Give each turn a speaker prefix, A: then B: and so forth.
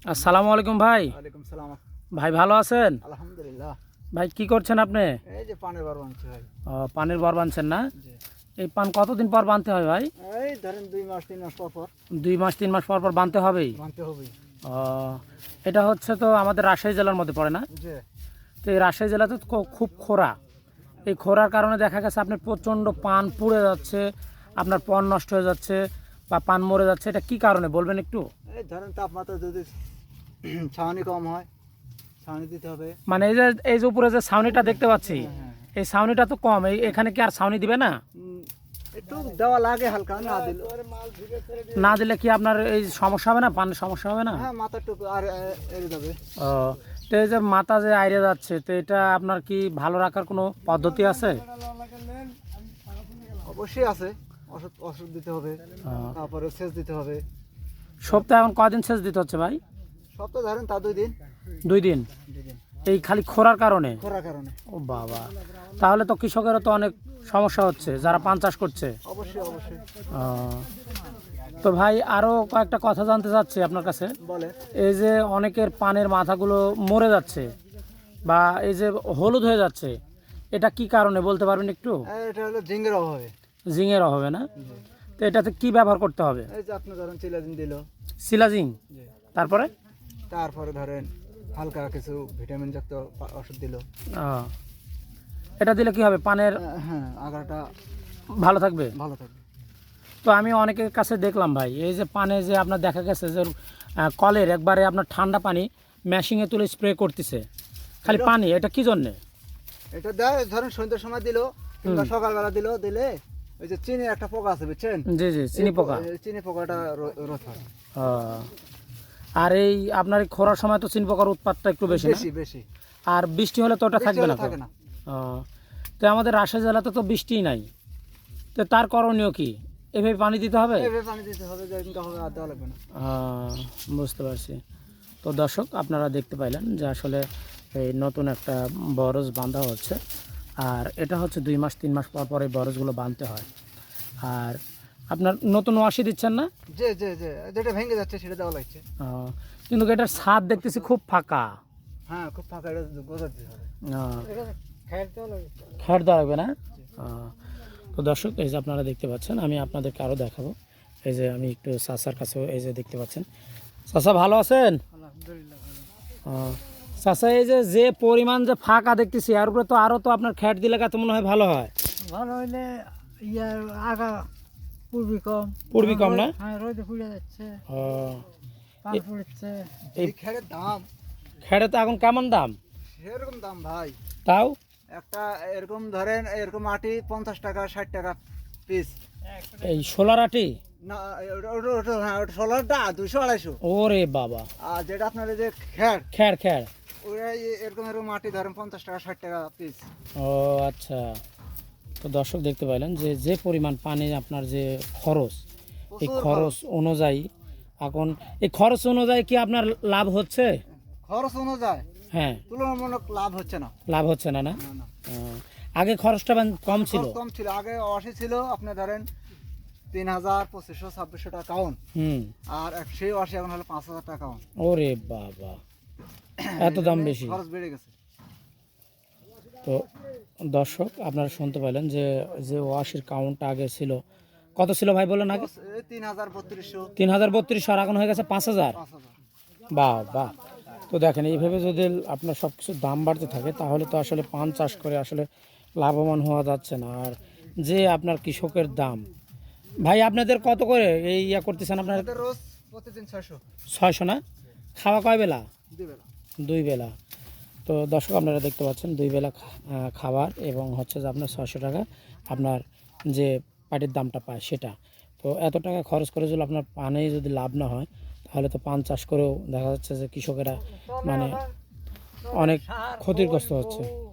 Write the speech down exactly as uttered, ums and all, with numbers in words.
A: আসসালামু আলাইকুম ভাই।
B: ওয়ালাইকুম সালাম।
A: ভাই ভালো আছেন?
B: আলহামদুলিল্লাহ।
A: ভাই কি করছেন আপনি?
B: এই যে পানের বার বানছি ভাই।
A: ও পানের বর বানছেন না?
B: জি।
A: এই পান কতদিন পর বানতে হয় ভাই?
B: এই ধরেন দুই মাস তিন মাস পর পর
A: দুই মাস তিন মাস পর পর বানতে হবেই।
B: বানতে হবে।
A: ও এটা হচ্ছে তো আমাদের রাজশাহী জেলার মধ্যে পড়ে না?
B: জি।
A: তো এই রাজশাহী জেলাতে তো খু- খুব খরা। এই খরার কারণে দেখা গেছে আপনার প্রচণ্ড পান পুড়ে যাচ্ছে, আপনার পণ নষ্ট হয়ে যাচ্ছে বা পান মরে যাচ্ছে। এটা কি কারণে বলবেন একটু?
B: এই ধরেন তাপমাত্রা যদি ছাউনি কম হয়, ছাউনি দিতে হবে।
A: মানে এই যে এই যে উপরে যে ছাউনিটা দেখতে পাচ্ছি,
B: হ্যাঁ, হ্যাঁ।
A: এই ছাউনিটা তো কম, এই এখানে কি আর ছাউনি দিবে না?
B: উম, একটু দেওয়া লাগে হালকা, না দিলে
A: না দিলে কি আপনার এই সমস্যা হবে না, পানের সমস্যা হবে না?
B: হ্যাঁ মাথার টুকু আর এ- এড়ে যাবে।
A: ও তো এই যে মাথা যে আইরে যাচ্ছে, তো এটা আপনার কি ভালো রাখার কোনো পদ্ধতি আছে?
B: অবশ্যই আছে, ওষুধ ওষুধ দিতে হবে,
A: ও,
B: তারপরে সেচ দিতে হবে।
A: সপ্তাহে এখন কদিন সেচ দিতে হচ্ছে ভাই?
B: সপ্তাহে ধরেন তা দুই দিন।
A: দুই দিন।
B: দুই দিন
A: এই খালি খরার কারণে?
B: খরার কারণে।
A: ও বাবা, তাহলে তো কৃষকেরও তো অনেক সমস্যা হচ্ছে যারা পান চাষ করছে।
B: অবশ্যই অবশ্যই।
A: ও, তো ভাই আরও কয়েকটা কথা জানতে চাচ্ছি আপনার কাছে।
B: বলে
A: এই যে অনেকের পানের মাথাগুলো মরে যাচ্ছে বা এই যে হলুদ হয়ে যাচ্ছে, এটা কি কারণে বলতে পারবেন একটু?
B: এটা হলো জিঙ্গের অভাবে।
A: জিঙের হবে না?
B: জি।
A: তো এটাতে কি ব্যবহার করতে হবে?
B: এই যে আপনি ধরেন চিলাজিন দিল।
A: সিলাজিং,
B: জি।
A: তারপরে?
B: তারপরে ধরেন হালকা কিছু ভিটামিন যুক্ত পা- ওষুধ দিল।
A: ও, এটা দিলে কি হবে, পানের
B: হ্যাঁ আগাটা
A: ভালো থাকবে?
B: ভালো থাকবে।
A: তো আমি অনেকের কাছে দেখলাম ভাই, এই যে পানে যে আপনার দেখা গেছে যে আহ, কলের একবারে আপনার ঠান্ডা পানি মেশিনে তুলে স্প্রে করতেছে খালি
B: এটা-
A: পানি, এটা কি জন্যে?
B: এটা দেয় ধরেন সন্ধ্যার সময় দিল কিংবা সকালবেলা দিল, দিলে ওই যে চিনির একটা পোকা আছে বুঝছেন,
A: জি জি, চিনি
B: এই
A: পোকা।
B: এই চিনি পোকাটা রো- রোধ হয়।
A: ও, আর এই আপনার এই খরার সময় তো চিনি পোকার উৎপাতটা একটু বেশি না?
B: বেশি বেশি।
A: আর বৃষ্টি হলে তো ওটা
B: বৃষ্টি
A: থাকবে
B: হলে
A: না তো?
B: থাকে না।
A: ও, তো আমাদের রাজশাহী জেলাতে তো বৃষ্টিই নাই, তো তার করণীয় কি? এভাবে পানি দিতে হবে?
B: এইভাবে পানি দিতে হবে, যেদিনটা হবে আর দেওয়া লাগবে না।
A: আহ, বুঝতে পারছি। তো দর্শক আপনারা দেখতে পাইলেন যে আসলে এই নতুন একটা বরজ বাঁধা হচ্ছে, আর এটা হচ্ছে দুই মাস তিন মাস পর পর এই বরজগুলো বাঁধতে হয়। আর আপনার নতুন ওয়াশি দিচ্ছেন না?
B: যে যে যে যেটা ভেঙে যাচ্ছে সেটা দেওয়া লাগছে।
A: আহ, কিন্তু এটার ছাদ দেখতেছি খুব ফাঁকা।
B: হ্যাঁ খুব ফাঁকা, এটা গোজা দিতে হবে।
A: আহ,
B: খেয়াল দেওয়া লাগবে।
A: খ্যাট দেওয়া লাগবে না? আহ, তো দর্শক এই যে আপনারা দেখতে পাচ্ছেন, আমি আপনাদেরকে আরও দেখাবো। এই যে আমি একটু চাচার কাছেও এই যে দেখতে পাচ্ছেন। চাচা ভালো আছেন?
B: আলহামদুলিল্লাহ।
A: আহ, চাচা এই যে যে পরিমাণ যে ফাঁকা দেখতেছি, এর উপরে তো আরও তো আপনার খ্যাট দিলে তো মনে হয় ভালো হয়।
B: ভালো হইলে ইয়ার আগা পূর্বী কম।
A: পূর্বী কম না?
B: হ্যাঁ রোদে পুড়ে যাচ্ছে,
A: ও,
B: পান পুড়ছে।
A: এই
B: এই খেরের দাম
A: খ্যাটে তো এখন কেমন দাম?
B: সেরকম দাম ভাই।
A: তাও
B: একটা এরকম ধরেন এরকম আটি পঞ্চাশ টাকা ষাট টাকা পিস।
A: এই সোলার আটি?
B: না ওটা- ওটা- ওটা- হ্যাঁ ওটা সোলারটা দুশো আড়াইশো।
A: ওরে বাবা,
B: আর যেটা আপনার এই যে খের,
A: খ্যার খ্যার।
B: ওরা এই- এরকম এরকম আটি ধরেন পঞ্চাশ টাকা ষাট টাকা পিস।
A: ও আচ্ছা। তো দর্শক দেখতে পাইলেন যে যে পরিমাণ পানি আপনার যে খরচ, এই
B: প্রচুর
A: খরচ অনুযায়ী এখন এই খরচ অনুযায়ী কি আপনার লাভ হচ্ছে?
B: খরচ অনুযায়ী
A: হ্যাঁ,
B: তুলনামূলক লাভ হচ্ছে না।
A: লাভ হচ্ছে না না?
B: না না
A: আহ, আগে খরচটা বান- কম ছিল।
B: খরচ কম ছিল, আগে অশি ছিল আপনি ধরেন তিন হাজার পঁচিশশো ছাব্বিশশো টাকা কাউন।
A: হুম।
B: আর এক- সেই অশি এখন হলো পাঁচ হাজার টাকা কাউন।
A: ওরে বাবা, এত দাম বেশি।
B: খরচ বেড়ে গেছে।
A: তো দর্শক আপনারা শুনতে পেলেন যে যে ওয়াশির কাউন্টটা আগে ছিল কত ছিল ভাই বলেন আগে?
B: এই তিন হাজার বত্রিশশো
A: তিন হাজার বত্রিশশো, আর এখন হয়ে গেছে পাঁচ হাজার।
B: পাঁচ হাজার।
A: বাহ বাহ। তো দেখেন এইভাবে যদি আপনার সব কিছুর দাম বাড়তে থাকে তাহলে তো আসলে পান চাষ করে আসলে লাভবান হওয়া যাচ্ছে না। আর যে আপনার কৃষকের দাম, ভাই আপনাদের কত করে এই ইয়া করতেছেন আপনার?
B: আমাদের রোজ প্রতিদিন ছয়শো।
A: ছয়শো না? খাওয়া কয় বেলা?
B: দুই বেলা।
A: দুই বেলা। তো দর্শক আপনারা দেখতে পাচ্ছেন দুই বেলা খা- আহ, খাবার এবং হচ্ছে যে আপনার ছয়শো টাকা আপনার যে পাটির দামটা পায় সেটা। তো এত টাকা খরচ করে যদি আপনার পানে যদি লাভ না হয় তাহলে তো পান চাষ করেও দেখা যাচ্ছে যে কৃষকেরা মানে অনেক ক্ষতিগ্রস্ত হচ্ছে।